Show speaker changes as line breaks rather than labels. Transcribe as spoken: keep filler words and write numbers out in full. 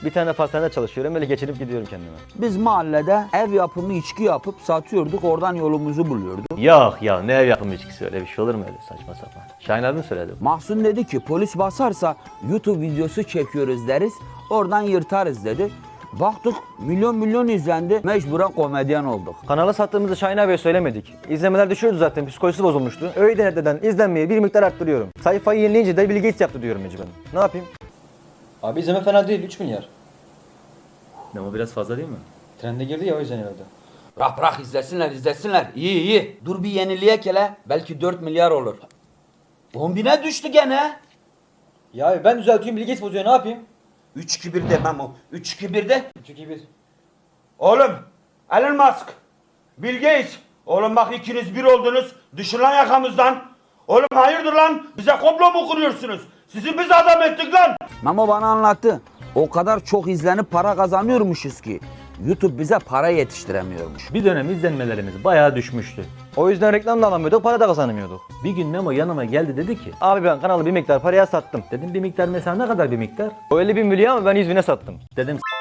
Bir tane pastanede çalışıyorum. Böyle geçinip gidiyorum kendime.
Biz mahallede ev yapımı içki yapıp satıyorduk. Oradan yolumuzu buluyorduk.
Yok ya, ne ev yapımı içkisi, öyle bir şey olur mu öyle saçma sapan? Şahin abi mi söyledi?
Mahsun dedi ki polis basarsa YouTube videosu çekiyoruz deriz. Oradan yırtarız dedi. Baktık milyon milyon izlendi. Mecburen komedyen olduk.
Kanala sattığımızı Şahin abiye söylemedik. İzlemeler düşüyordu zaten, psikolojisi bozulmuştu. Öyle denetleden izlenmeyi bir miktar arttırıyorum. Sayfayı yenileyince de Bill Gates yaptı diyorum mecburen. Ne yapayım?
Abi izleme fena değil, üç milyar.
Ne, o biraz fazla değil mi?
Trende girdi ya, o yüzden herhalde.
Bırak bırak izlesinler izlesinler. İyi iyi. Dur bir yenileyek hele. Belki dört milyar olur. on bine düştü gene.
Ya abi ben düzeltiyorum, Bill Gates bozuyor, ne yapayım?
üç iki bir demem o. üç iki bir de.
üç iki bir.
Oğlum, Elon Musk, Bill Gates. Oğlum bak ikiniz bir oldunuz. Düşün lan yakamızdan. Oğlum hayırdır lan? Bize komplo mu kuruyorsunuz? Sizi biz adam ettik lan.
Mamo bana anlattı. O kadar çok izlenip para kazanıyormuşuz ki YouTube bize para yetiştiremiyormuş.
Bir dönem izlenmelerimiz bayağı düşmüştü. O yüzden reklam da alamıyorduk, para da kazanamıyorduk. Bir gün Memo yanıma geldi, dedi ki abi ben kanalı bir miktar paraya sattım. Dedim bir miktar mesela, ne kadar bir miktar? O elli bin milyon ama ben yüz bine sattım. Dedim